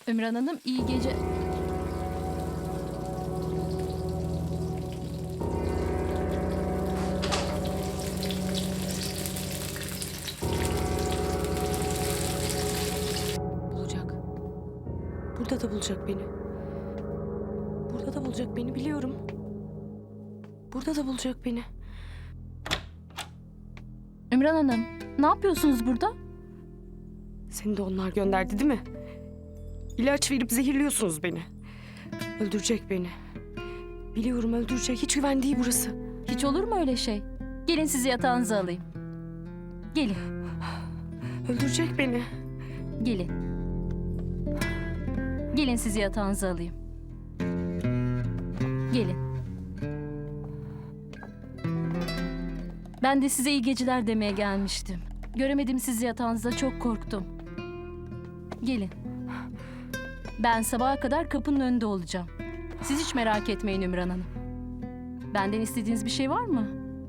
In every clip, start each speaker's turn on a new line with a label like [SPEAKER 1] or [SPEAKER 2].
[SPEAKER 1] Ümran Hanım iyi gece...
[SPEAKER 2] Bulacak. Burada da bulacak beni. Burada da bulacak beni, biliyorum. Burada da bulacak beni.
[SPEAKER 1] Ümran Hanım, ne yapıyorsunuz burada?
[SPEAKER 2] Seni de onlar gönderdi değil mi? İlaç verip zehirliyorsunuz beni. Öldürecek beni. Biliyorum, öldürecek. Hiç güven değil burası.
[SPEAKER 1] Hiç olur mu öyle şey? Gelin sizi yatağınıza alayım. Gelin,
[SPEAKER 2] Öldürecek beni.
[SPEAKER 1] gelin. Gelin sizi yatağınıza alayım. Gelin. Ben de size iyi geceler demeye gelmiştim. Göremedim sizi yatağınızda, çok korktum. Gelin. Ben sabaha kadar kapının önünde olacağım. Siz hiç merak etmeyin Ümran Hanım. Benden istediğiniz bir şey var mı?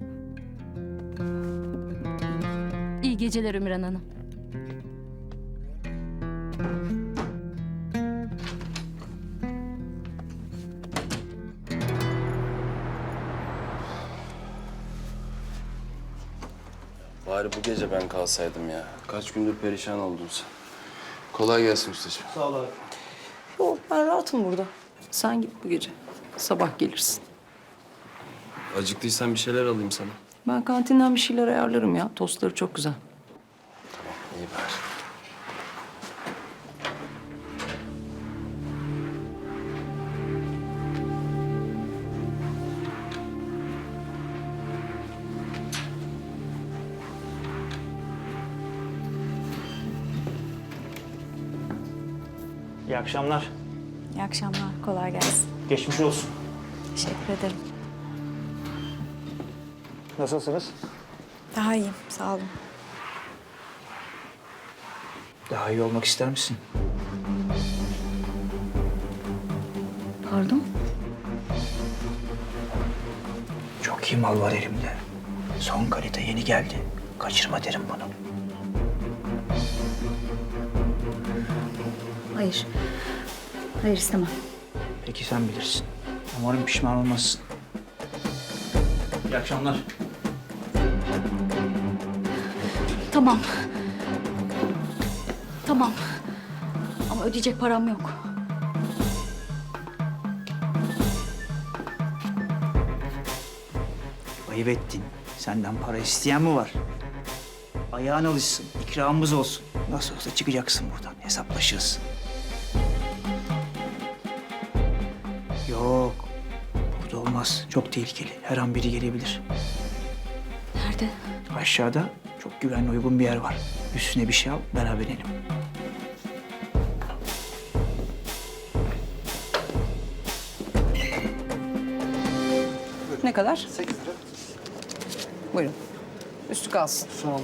[SPEAKER 1] İyi geceler Ümran Hanım.
[SPEAKER 3] Bari bu gece ben kalsaydım ya. Kaç gündür perişan oldun sen. Kolay gelsin ustacığım.
[SPEAKER 4] Sağ ol abi. Yok, ben rahatım burada. Sen git bu gece. Sabah gelirsin.
[SPEAKER 3] Acıktıysan bir şeyler alayım sana.
[SPEAKER 4] Ben kantinden bir şeyler ayarlarım ya. Tostları çok güzel.
[SPEAKER 3] İyi bari.
[SPEAKER 5] İyi akşamlar.
[SPEAKER 6] İyi akşamlar, kolay gelsin.
[SPEAKER 5] Geçmiş olsun.
[SPEAKER 6] Teşekkür ederim.
[SPEAKER 5] Nasılsınız?
[SPEAKER 6] Daha iyiyim, sağ olun.
[SPEAKER 5] Daha iyi olmak ister misin?
[SPEAKER 6] Pardon?
[SPEAKER 5] Çok iyi mal var elimde. Son kalite yeni geldi. Kaçırma derim bunu.
[SPEAKER 6] Hayır. Hayır, istemem.
[SPEAKER 5] Peki sen bilirsin. Umarım pişman olmazsın. İyi akşamlar.
[SPEAKER 6] Tamam. Tamam. Ama ödeyecek param yok.
[SPEAKER 5] Ayıp ettin. Senden para isteyen mi var? Ayağın alışsın. İkramımız olsun. Nasıl olsa çıkacaksın buradan. Hesaplaşırız. Yok. Burada olmaz. Çok tehlikeli. Her an biri gelebilir.
[SPEAKER 6] Nerede?
[SPEAKER 5] Aşağıda çok güvenli uygun bir yer var. Üstüne bir şey al, beraber inelim.
[SPEAKER 4] Ne kadar? 8 lira. Buyurun. Üstü kalsın.
[SPEAKER 5] Sağ olun.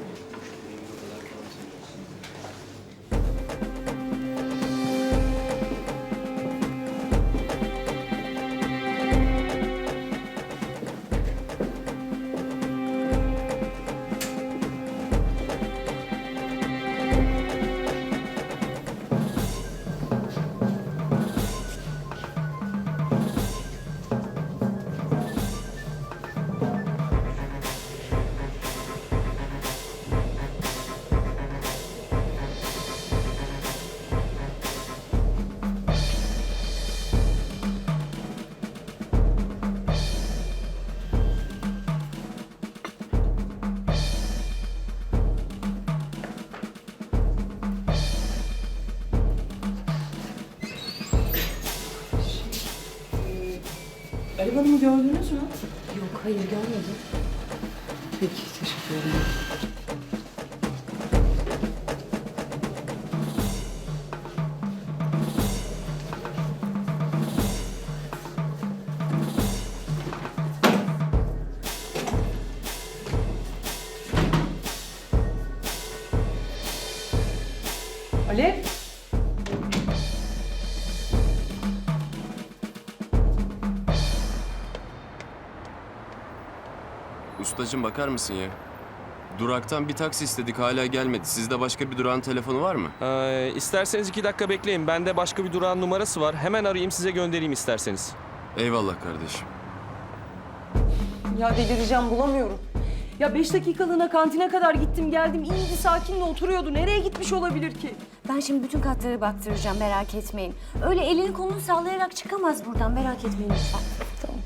[SPEAKER 4] Alev Hanım'ı gördünüz mü?
[SPEAKER 6] Yok, hayır görmedim.
[SPEAKER 4] Peki, teşekkür ederim. Alev.
[SPEAKER 3] Ustacığım bakar mısın ya? Duraktan bir taksi istedik, hala gelmedi. Sizde başka bir durağın telefonu var mı?
[SPEAKER 7] İsterseniz 2 dakika bekleyin. Bende başka bir durağın numarası var. Hemen arayayım, size göndereyim isterseniz.
[SPEAKER 3] Eyvallah kardeşim.
[SPEAKER 4] Ya delireceğim, bulamıyorum. Ya 5 dakikalığına kantine kadar gittim geldim. İyiydi, sakinle oturuyordu. Nereye gitmiş olabilir ki?
[SPEAKER 6] Ben şimdi bütün katları baktıracağım, merak etmeyin. Öyle elini kolunu sallayarak çıkamaz buradan, merak etmeyin lütfen. Tamam.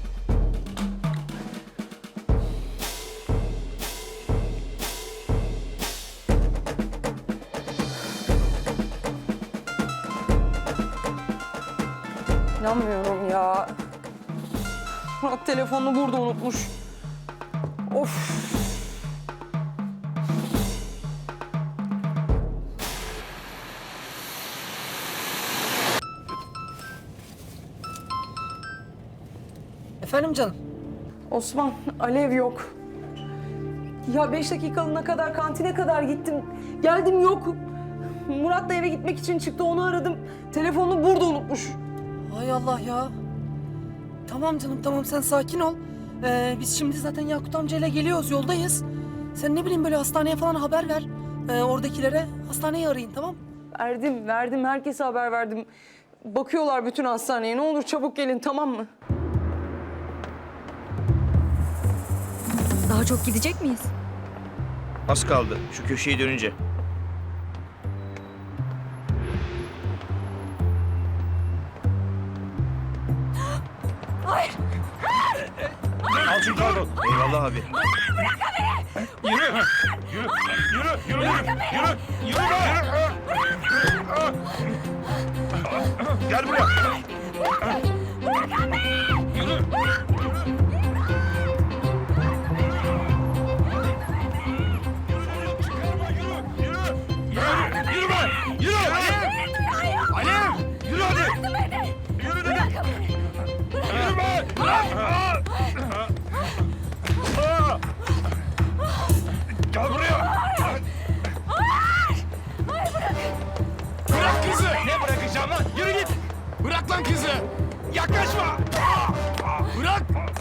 [SPEAKER 4] İnanmıyorum ya. Murat telefonunu burada unutmuş. Of.
[SPEAKER 8] Efendim canım?
[SPEAKER 4] Osman, Alev yok. Ya 5 dakikalığına kadar kantine kadar gittim. Geldim yok. Murat da eve gitmek için çıktı, onu aradım. Telefonunu burada unutmuş.
[SPEAKER 8] Hay Allah ya. Tamam canım tamam sen sakin ol. Biz şimdi zaten Yakut amcayla geliyoruz yoldayız. Sen ne bileyim böyle hastaneye falan haber ver. Oradakilere hastaneyi arayın tamam?
[SPEAKER 4] Verdim. Herkese haber verdim. Bakıyorlar bütün hastaneye. Ne olur çabuk gelin, tamam mı?
[SPEAKER 6] Daha çok gidecek miyiz?
[SPEAKER 5] Az kaldı şu köşeyi dönünce. Al şu karbon. Eyvallah abi. Gel buraya. Gel buraya. Bırak kızı. Ne bırakacağım lan? Yürü git. Bırak lan kızı. Yaklaşma. Bırak.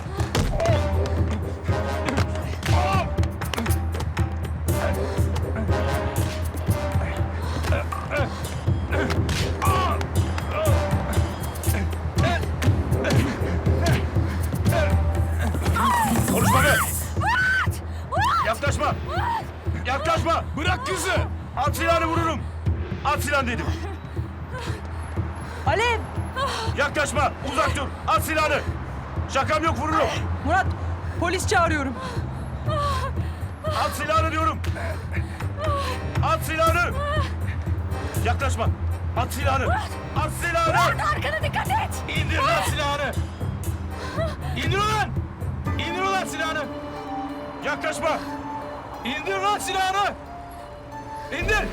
[SPEAKER 5] Konuşma be. Yaklaşma. Yaklaşma. Bırak kızı. At silahını, vururum. At silahını dedim.
[SPEAKER 4] Alev!
[SPEAKER 5] Yaklaşma. Uzak dur. At silahını. Şakam yok, vururum.
[SPEAKER 4] Murat, polis çağırıyorum.
[SPEAKER 5] At silahını diyorum. At silahını. Yaklaşma. At silahını. At silahını.
[SPEAKER 6] Arkana dikkat et!
[SPEAKER 5] İndir lan silahını. İndir ulan. İndir ulan silahını. Yaklaşma. İndir lan silahını. İndir.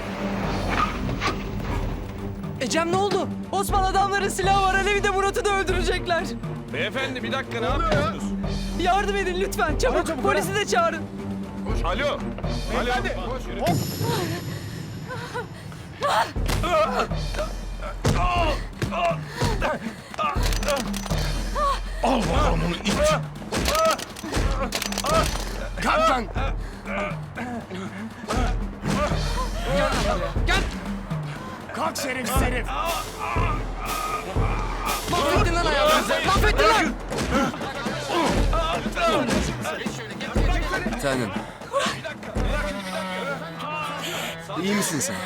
[SPEAKER 8] Cem ne oldu? Osman adamların silahı var. Alev'i de Murat'ı da öldürecekler.
[SPEAKER 7] Beyefendi bir dakika, ne yapıyorsunuz?
[SPEAKER 8] Yardım edin lütfen. Çabuk. Polisi de çağırın.
[SPEAKER 7] Alo. Beyefendi.
[SPEAKER 5] Al bakalım onu iç.
[SPEAKER 3] Kalk lan!
[SPEAKER 5] Kalk şerefsiz herif.
[SPEAKER 8] Mahvettin lan hayatımızı. Mahvettin lan.
[SPEAKER 3] Bir tanem. İyi misin sen?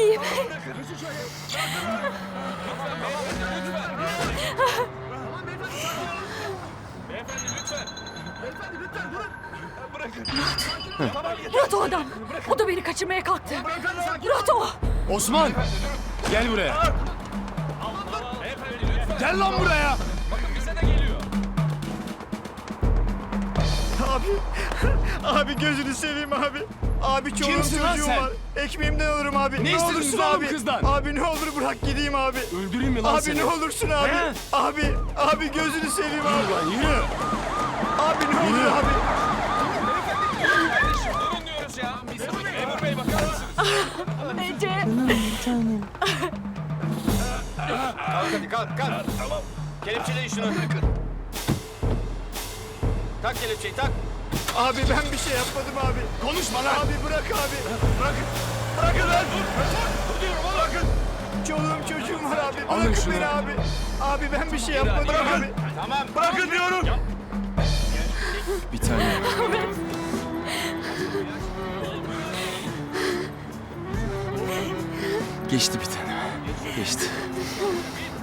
[SPEAKER 6] Murat o adam. O da beni kaçırmaya kalktı. Murat o.
[SPEAKER 3] Osman! Gel buraya. Gel lan buraya!
[SPEAKER 5] Abi gözünü seveyim abi. Abi çoluğum
[SPEAKER 3] Kimsin lan
[SPEAKER 5] çocuğum
[SPEAKER 3] sen?
[SPEAKER 5] var. Ekmeğimden alırım abi.
[SPEAKER 3] Ne istedin
[SPEAKER 5] olursun
[SPEAKER 3] oğlum
[SPEAKER 5] abi.
[SPEAKER 3] kızdan?
[SPEAKER 5] Abi ne olur bırak gideyim abi.
[SPEAKER 3] Öldüreyim mi lan
[SPEAKER 5] Abi
[SPEAKER 3] seni?
[SPEAKER 5] ne olursun abi.
[SPEAKER 3] He?
[SPEAKER 5] Abi gözünü seveyim abi.
[SPEAKER 3] Lan yürü!
[SPEAKER 5] Abi ne olur
[SPEAKER 3] Yürü.
[SPEAKER 5] abi.
[SPEAKER 7] Durun diyoruz ya. Memur bey bakar mısınız?
[SPEAKER 6] Ece.
[SPEAKER 7] Kalk hadi kalk. Tamam. Kelepçeleyin şunu. Tak kelepçeyi tak.
[SPEAKER 9] Abi ben bir şey yapmadım abi. Konuşma lan. Abi bırak abi. Bırakın. Bırakın lan. Dur diyorum oğlum. Bırakın. Çoluğum çocuğum var abi. Bırakın beni abi. Abi ben bir şey yapmadım abi. Tamam. Bırakın diyorum.
[SPEAKER 3] Bir tane. Geçti bir tane. Geçti.